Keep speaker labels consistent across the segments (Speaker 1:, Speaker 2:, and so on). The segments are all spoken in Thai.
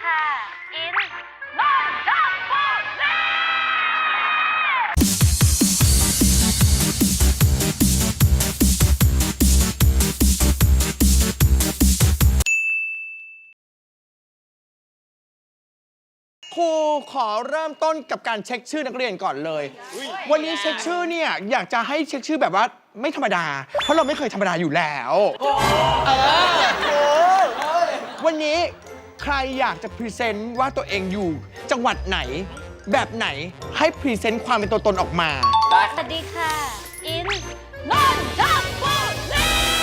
Speaker 1: ค่ะ อินนนทบุรี
Speaker 2: ครูขอเริ่มต้นกับการเช็คชื่อนักเรียนก่อนเลย วันนี้เช็คชื่อเนี่ยอยากจะให้เช็คชื่อแบบว่าไม่ธรรมดา เพราะเราไม่เคยธรรมดาอยู่แล้ววันนี้ใครอยากจะพรีเซนต์ว่าตัวเองอยู่จังหวัดไหน แบบไหนให้พรีเซนต์ความเป็นตัวตนออกมา
Speaker 1: สวัสดีค่ะ อินนนทบุรี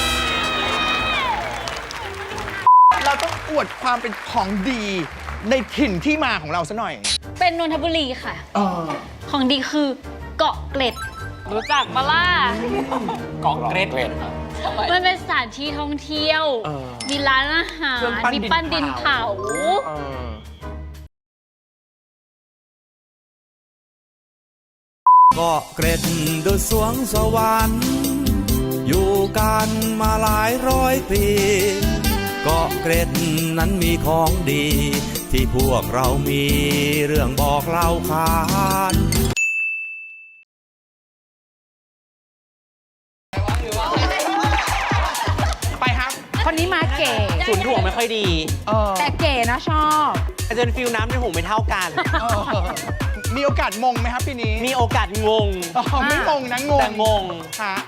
Speaker 2: เราต้องอวดความเป็นของดีในถิ่นที่มาของเราซะหน่อย
Speaker 1: เป็นนนทบุรีค่ะ ของดีคือเกาะเกร็ด รู้จักปะล่ะ
Speaker 3: เกาะเกร็ด
Speaker 1: มันเป็นสถานที่ท่องเที่ยว มีร้านอาหาร
Speaker 2: เครื่องปั้น
Speaker 1: มีปั้นดินเผา
Speaker 4: เกาะเกร็ดดุจสวงสวรรค์อยู่กันมาหลายร้อยปีเกาะเกร็ดนั้นมีของดี ที่พวกเรามีเรื่องบอกเล่าขาน
Speaker 2: ไปครับ
Speaker 5: คนนี้มาเก๋
Speaker 3: ขุนถ่วงไม่ค่อยดี
Speaker 5: แต่เก๋นะชอบ
Speaker 3: อาจจะเป็นฟิลน้ำในหูไม่เท่ากัน
Speaker 2: มีโอกาสมงไหมครับปีนี้
Speaker 3: มีโอกาสงง
Speaker 2: ไม่มงนะงง
Speaker 3: แต่งง
Speaker 2: ฮะ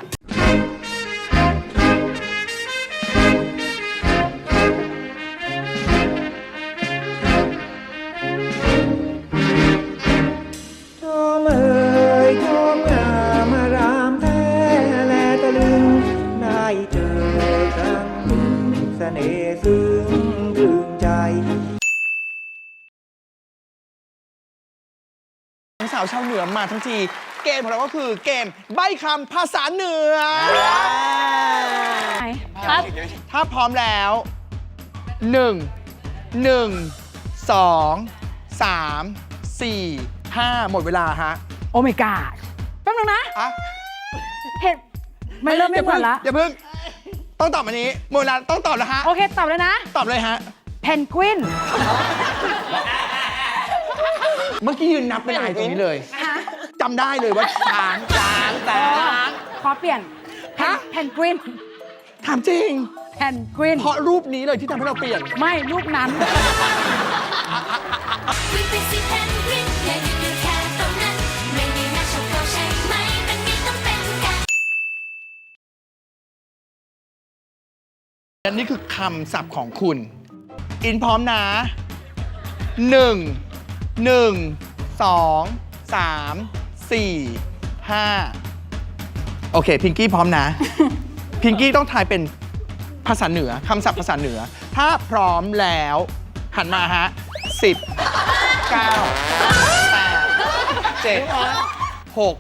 Speaker 6: ชมเอ่ยชมงามรามแท้แลตะลึงได้เจอครั้งหนึ่งเสน่ห์ซึ้งตรึงใจ
Speaker 2: สาวชาวเหนือมาทั้งที เกมของเราก็คือเกมใบ้คำภาษาเหนือ
Speaker 1: ครับ
Speaker 2: ถ้าพร้อมแล้ว 1 1 2 3 4 5 หมดเวลาฮะ
Speaker 5: โอ้ my god แป๊บนึงนะ
Speaker 2: อ่ะ
Speaker 5: เห็นมันเริ่มไม่เหมือนละ
Speaker 2: อย่าเพิ่ง ต้องตอบอันนี้หมดเวลาต้องตอบแล้วฮะ
Speaker 5: โอเค ตอบเลยนะ
Speaker 2: ตอบเลยฮะ
Speaker 5: เพนกวิน
Speaker 2: เมื่อกี้ยืนนับเป็นอะไรตรงนี้เลยจำได้เลยว่าช้าง
Speaker 5: ขอเปลี่ยน
Speaker 2: ฮะ
Speaker 5: เพนกวิน
Speaker 2: ถามจริง
Speaker 5: เพนกวิน
Speaker 2: เพราะรูปนี้เลยที่ทำให้เราเปลี่ยน
Speaker 5: ไม่รูปนั้น
Speaker 7: วิ่งไปสิเพนกวินอย่าหยุดอยู่แค่ตรงนั้น ไม่มีนักชกเขาใช่ไหมมันมีต้องเป็นกัน
Speaker 2: อันนี้คือคำศัพท์ของคุณ อินพร้อมนะ 1 1 2 3 4 5 โอเค พิงกี้พร้อมนะ พิงกี้ต้องทายเป็นภาษาเหนือคำศัพท์ภาษาเหนือ ถ้าพร้อมแล้ว หันมาฮะ 10 9 8 7 6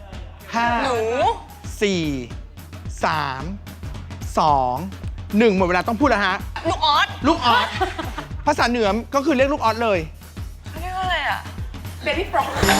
Speaker 2: 5 4 3 2 1 หมดเวลาต้องพูดแล้วฮะ ลูกออส ลูกออส ภาษาเหนือก็คือเรียกลูกออสเลย
Speaker 1: เรียกว่าอะไรอ่ะ
Speaker 5: เบบี้ฟรอก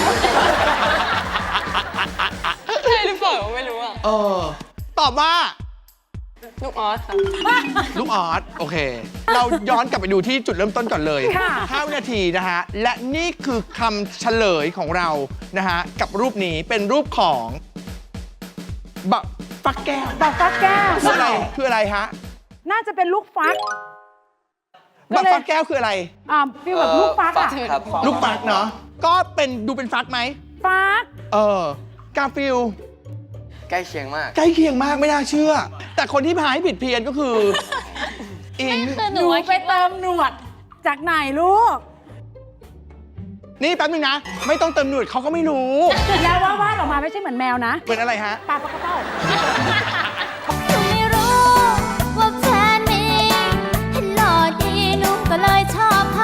Speaker 1: ใช่หรือเปล่าไม่รู้อ่ะ
Speaker 2: ตอบว่า
Speaker 1: ลูกออสค่ะ
Speaker 2: ลูกออส โอเค เราย้อนกลับไปดูที่จุดเริ่มต้นก่อนเลย
Speaker 5: ค่ะ
Speaker 2: 5 วินาทีนะฮะ และนี่คือคำเฉลยของเรานะฮะ กับรูปนี้เป็นรูปของบะฟักแก้ว
Speaker 5: บอกฟักแก้ว
Speaker 2: คืออะไรคืออะไรฮะ
Speaker 5: น่าจะเป็นลูกฟัก
Speaker 2: บะฟักแก้วคืออะไร
Speaker 5: ฟีลแบบลูกฟักอะ
Speaker 2: ลูกฟักเนาะก็เป็นดูเป็นฟักไหม
Speaker 5: ฟัก
Speaker 2: กาฟิล
Speaker 3: ใกล้เคียงมาก
Speaker 2: ใกล้เคียงมากไม่น่าเชื่อ แต่คนที่พาให้ผิดเพี้ยนก็คือ อิง
Speaker 1: คือห
Speaker 5: ห
Speaker 1: นู
Speaker 5: นู
Speaker 1: ว่า
Speaker 5: ไปเติมหนวด จากไหนลูก
Speaker 2: นี่แป๊บนึงนะ ไม่ต้องเติมหนวดเขาก็ไม่รู้
Speaker 5: แล้ววาดออกมาไม่ใช่เหมือนแมวนะ
Speaker 2: เป็นอะไรฮะ
Speaker 5: ปลาปลากระเป้า
Speaker 7: หนูไม่รู้ว่าแฟนมีเห็นหล่อดีหนูก็เลยชอบเขา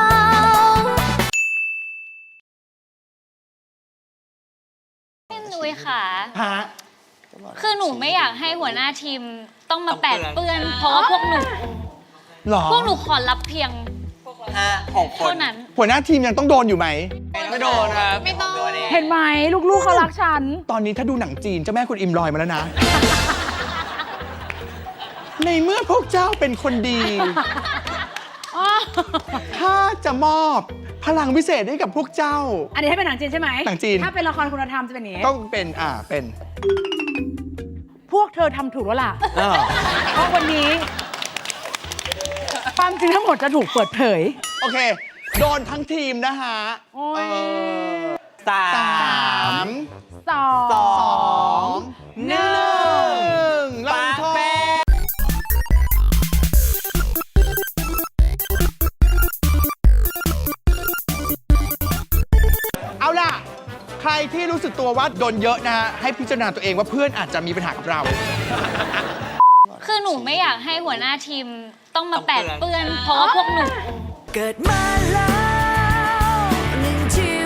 Speaker 1: หนุ้ยค่ะ
Speaker 2: ฮะ
Speaker 1: คือหนูไม่อยากให้หัวหน้าทีมต้องมาแปดเปื้อน เพราะว่าพวกหนู
Speaker 2: หรอ
Speaker 1: พวกหนูขอรับเพียง
Speaker 3: 6 คน
Speaker 1: เท่านั้น
Speaker 2: หัวหน้าทีมยังต้องโดนอยู่ไหม
Speaker 3: ไม่โดนครับ
Speaker 1: ไม่ต้อง
Speaker 5: เห็นไหมลูกๆเขารักฉัน
Speaker 2: ตอนนี้ถ้าดูหนังจีนเจ้าแม่คุณอิมลอยมาแล้วนะ ในเมื่อพวกเจ้าเป็นคนดี
Speaker 5: อ๋อ
Speaker 2: ถ้าจะมอบพลังพิเศษให้กับพวกเจ้า
Speaker 5: อันนี้ให้เป็นหนังจีนใช่ไหม
Speaker 2: หนังจีน
Speaker 5: ถ้าเป็นละครคุณธรรมจะเป็นอย่างนี้
Speaker 2: ต้องเป็นเป็น
Speaker 5: พวกเธอทำถูกแล้วล่ะ เพราะวันนี้ ความจริงทั้งหมดจะถูกเปิดเผย
Speaker 2: โอเค โดนทั้งทีมนะฮะ
Speaker 5: โอ้ย
Speaker 3: สา
Speaker 2: สาม
Speaker 5: สอง
Speaker 2: สองหนึ่งลงโทษเอาล่ะ ใครที่รู้สึกตัวว่าโดนเยอะนะฮะ ให้พิจารณาตัวเองว่าเพื่อนอาจจะมีปัญหากับเรา
Speaker 1: คือหนูไม่อยากให้หัวหน้าทีมต้องมาแปดเปื้อน เพราะว่าพวกหนู
Speaker 7: เกิดมาแล้วหนึ่งชี